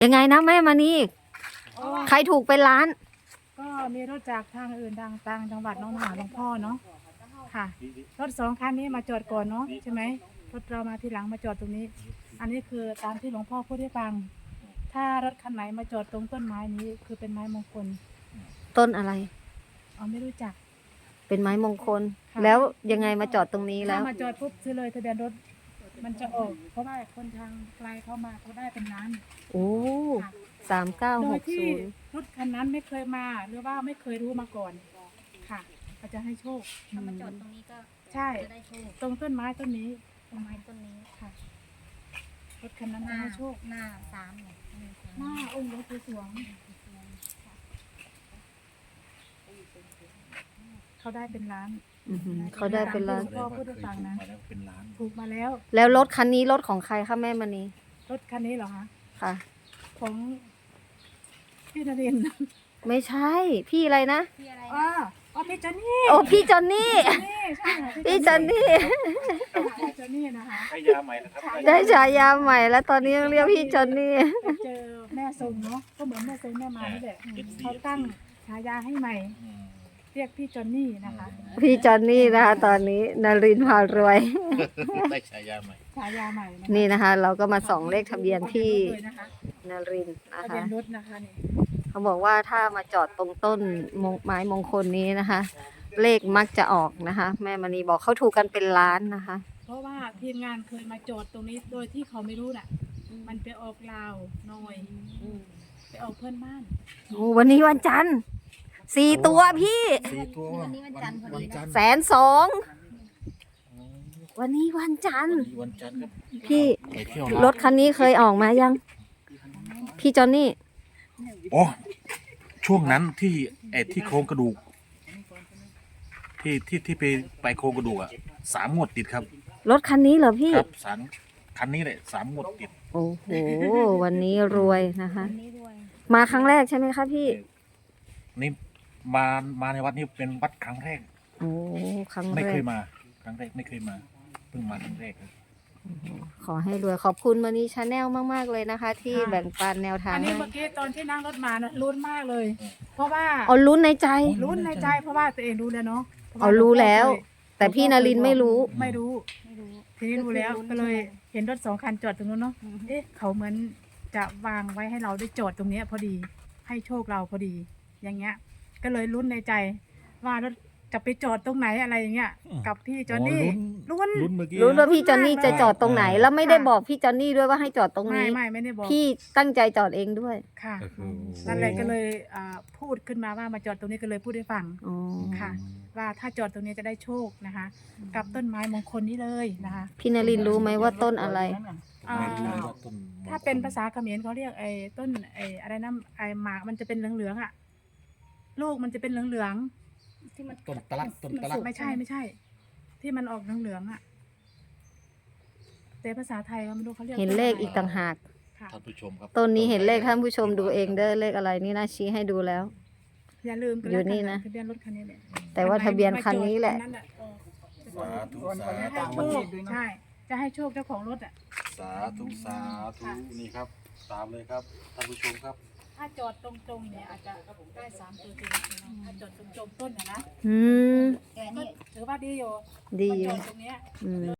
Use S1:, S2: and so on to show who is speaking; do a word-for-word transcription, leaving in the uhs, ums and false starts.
S1: ยังไงนะแม่มานี่ใครถูกเป็นล้าน
S2: ก็มีรถจากทางอื่นทางต่างจังหวัดน้องมาหาหลวงพ่อเนาะค่ะรถสองคันนี้มาจอดก่อนเนาะใช่ไหมรถเรามาทีหลังมาจอดตรงนี้ อันนี้คือตามที่หลวงพ่อพูดให้ฟังถ้ารถคันไหนมาจอดตรงต้นไม้นี้คือเป็นไม้มงคล
S1: ต้นอะไร
S2: อ๋อไม่รู้จัก
S1: เป็นไม้มงคลแล้วยังไงมาจอดตรงนี้แล้ว
S2: ถ้ามาจอดปุ๊บซื้อเลยทะเบียนรถมันจะออกเพราะว่าคนทางไกลเข้ามาเขาได้เป็นล้าน
S1: โอ้สามเก้าหกศูนย์
S2: รถคันนั้นไม่เคยมาหรือว่าไม่เคยรู้มาก่อนค่ะเขาจะให้โชค
S3: ถ้ามาจอดตรงนี้ก็
S2: ใช่
S3: จะได้โชค
S2: ตรงต้นไม้ต้นนี้
S3: ต้นไม้ต้นนี้
S2: ค่ะรถคันนั้นให้โชค
S3: หน้าสามเนี่ย
S2: หน้าองค์หลวงปู่สวงเขาได้เป็นล้าน
S1: เขาได้เป็นล้าน
S2: พ่อพูดให้ฟังนะถูกมาแล้ว
S1: แล้วรถคันนี้รถของใครคะแม่มณี
S2: รถคันนี้เหรอคะ
S1: ค่ะ
S2: ของพี่นรินทร์
S1: ไม่ใช่พี่อะไรนะ
S3: พี่อะไร
S2: อ๋ออ๋อพี่จอนนี่
S1: โอ้พี่จอนนี่พี่จอนนี่
S2: พี่จอนนี่นะคะ
S4: ได้ยาใหม่นะครับ
S1: ได้ฉายาใหม่แล้วตอนนี้เรียกพี่จอนนี่
S2: เจอแม่ทรงเนาะก็เหมือนแม่ทรงแม่มานี่แหละเขาตั้งฉายาให้ใหม่เรียกพี่จอนนี่นะคะ
S1: พี่จอนนี่นะคะตอนนี้นรินทร์พารวย
S4: ได้ฉายาใหม่
S2: ฉายาใหม่
S1: นี่นะคะ เราก็มาส่องเลขทะเบียนพี่นรินทร์นะ
S2: ทะ
S1: คะ
S2: เบียนรถนะคะนี่
S1: เขาบอกว่าถ้ามาจอดตรงต้นไม้มงคลนี้นะคะ เลขมักจะออกนะคะ แม่มณีบอกเขาถูกกันเป็นล้านนะคะ
S2: เพราะว่าทีมงานเคยมาจอดตรงนี้โดยที่เขาไม่รู้น่ะมันไปออกลาวหน่อยไปออกเพื่อนบ้าน
S1: โอ้วันนี้วันจันทร์สี่ตัวพี่
S4: สี่ตัว
S3: วันนี้วันจันทร์พอดีนะ
S1: แสนสองวันนี้วันจันทร์
S4: วันจันทร์ครับ
S1: พี่รถคันนี้เคยออกมายังพี่จอนนี่
S4: โอ้ช่วงนั้นที่ไอ้ที่โครงกระดูกที่ที่ที่ไปไปโครงกระดูกอ่ะสามงวดติดครับ
S1: รถคันนี้เหรอพี่
S4: ครับสามคันนี้แหละสามงวดติด
S1: โอ้โหวันนี้รวยนะคะมาครั้งแรกใช่ไหมคะพี่
S4: นี่มามาในวัดนี้เป็นวัดครั้งแรก
S1: โอ้ครั้งแรก
S4: ไม่เคยมาครั้งแรกไม่เคยมาเพิ่งมาครั้งแรกครับ
S1: ขอให้รวยขอบคุณมานีชาแนลมากๆเลยนะคะ ที่แบ่งปันแนวทาง
S2: อันนี้เมื่อกี้ตอนที่นั่งรถมานะลุ้นมากเลย เพราะว่า
S1: อ๋อลุ้นในใจ
S2: ลุ้นในใจเพราะว่าตัวเองรู้แล้วเนาะ
S1: อ๋อรู้แล้วแต่พี่นรินไม่รู้
S2: ไม่รู้ทีนี้รู้แล้วก็เลยเห็นรถสองคันจอดตรงนู้นเนาะเอ๊ะเขาเหมือนจะวางไว้ให้เราได้จอดตรงนี้พอดีให้โชคเราพอดีอย่างเงี้ยก็เลยลุ้นในใจว่ารถจะไปจอดตรงไหนอะไรอย่างเงี้ยกับพี่จอนนี่ลุ้น
S1: ลุ้นว่าพี่จอนนี่จะจอดตรงไหนแล้วไม่ได้บอกพี่จอนนี่ด้วยว่าให้จอดตรงนี้
S2: ไม่ไม่ไม่ได้บอก
S1: พี่ตั้งใจจอดเองด้วย
S2: ค่ะนั่นแหละก็เลยพูดขึ้นมาว่ามาจอดตรงนี้ก็เลยพูดให้ฟังค่ะว่าถ้าจอดตรงนี้จะได้โชคนะคะกับต้นไม้มงคลนี้เลยนะคะ
S1: พี่นรินรู้ไหมว่าต้นอะไร
S2: ถ้าเป็นภาษาเขมรเขาเรียกไอ้ต้นไอ้อะไรนะไอ้หมากมันจะเป็นเหลืองๆอ่ะลูกมันจะเป็นเหลืองๆ
S4: ที่มันต้นตะลัดต้นตะลัด
S2: ไม่ใช่ไม่ใช่ ที่มันออกเหลืองๆอ่ะแต่ภาษาไทยเราไม่รู้เขาเรียก
S1: เห็นเลขอีกต่างหาก
S4: ท่านผู้ชมครับ
S1: ต้นนี้เห็นเลขท่านผู้ชมดูเองเด้อเลขอะไรนี่นะชี้ให้ดูแล้ว
S2: อย่าลืม
S1: อยู่นี่นะ
S2: ทะเบียนรถคันนี้แหละ
S1: แต่ว่าทะเบียนคันนี้แหละ
S4: สาธุสา
S2: ธุใช่จะให้โชคเจ้าของรถอ่ะ
S4: สาธุสาธุนี่ครับตามเลยครับท่านผู้ชมครับ
S2: ถ้าจอดตรงๆเนี่ยอาจจะได้สามตัวจริงถ้าจอดตรงๆต้นนะนะ
S1: อืม
S2: ถือว่าดีอยู่
S1: ดี
S2: จอดตรงเนี้ย